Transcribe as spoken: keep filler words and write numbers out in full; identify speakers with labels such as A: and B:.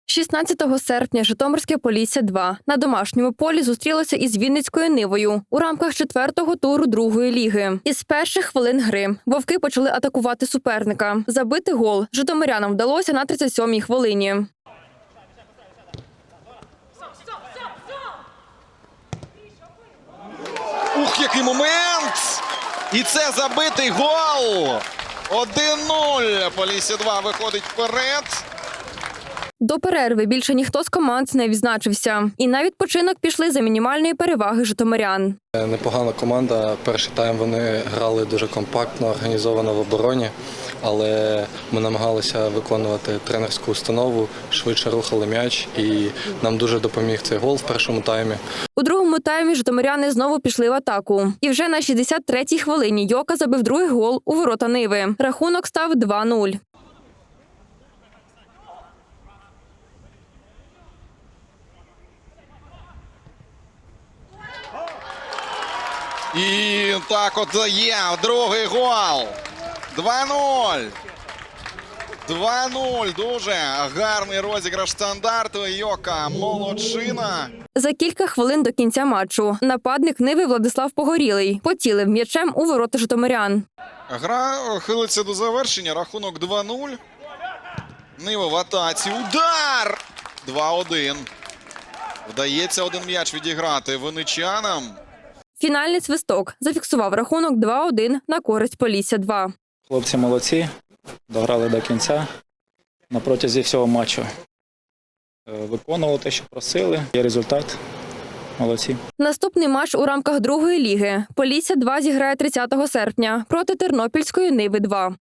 A: шістнадцятого серпня Житомирське Полісся два на домашньому полі зустрілося із Вінницькою Нивою у рамках четвертого туру другої ліги. Із перших хвилин гри вовки почали атакувати суперника. Забити гол житомирянам вдалося на тридцять сьомій хвилині.
B: Ух, який момент! І це забитий гол! один нуль. Полісся два виходить вперед.
A: До перерви більше ніхто з команд не відзначився. І на відпочинок пішли за мінімальної переваги житомирян.
C: Непогана команда. Перший тайм вони грали дуже компактно, організовано в обороні, але ми намагалися виконувати тренерську установу, швидше рухали м'яч, і нам дуже допоміг цей гол в першому таймі.
A: У другому таймі житомиряни знову пішли в атаку. І вже на шістдесят третій хвилині Йока забив другий гол у ворота Ниви. Рахунок став два нуль.
B: І так от є другий гол. два нуль. два нуль. Дуже гарний розіграш стандарту. Йока молодчина.
A: За кілька хвилин до кінця матчу нападник Ниви Владислав Погорілий поцілив м'ячем у ворота житомирян.
B: Гра хилиться до завершення. Рахунок два нуль. Нива в атаці. Удар! два один. Вдається один м'яч відіграти винничанам.
A: Фінальний свисток зафіксував рахунок два один на користь Полісся два.
D: Хлопці молодці, дограли до кінця на протязі всього матчу. Виконували те, що просили. Є результат. Молодці.
A: Наступний матч у рамках другої ліги Полісся два зіграє тридцятого серпня проти Тернопільської Ниви два.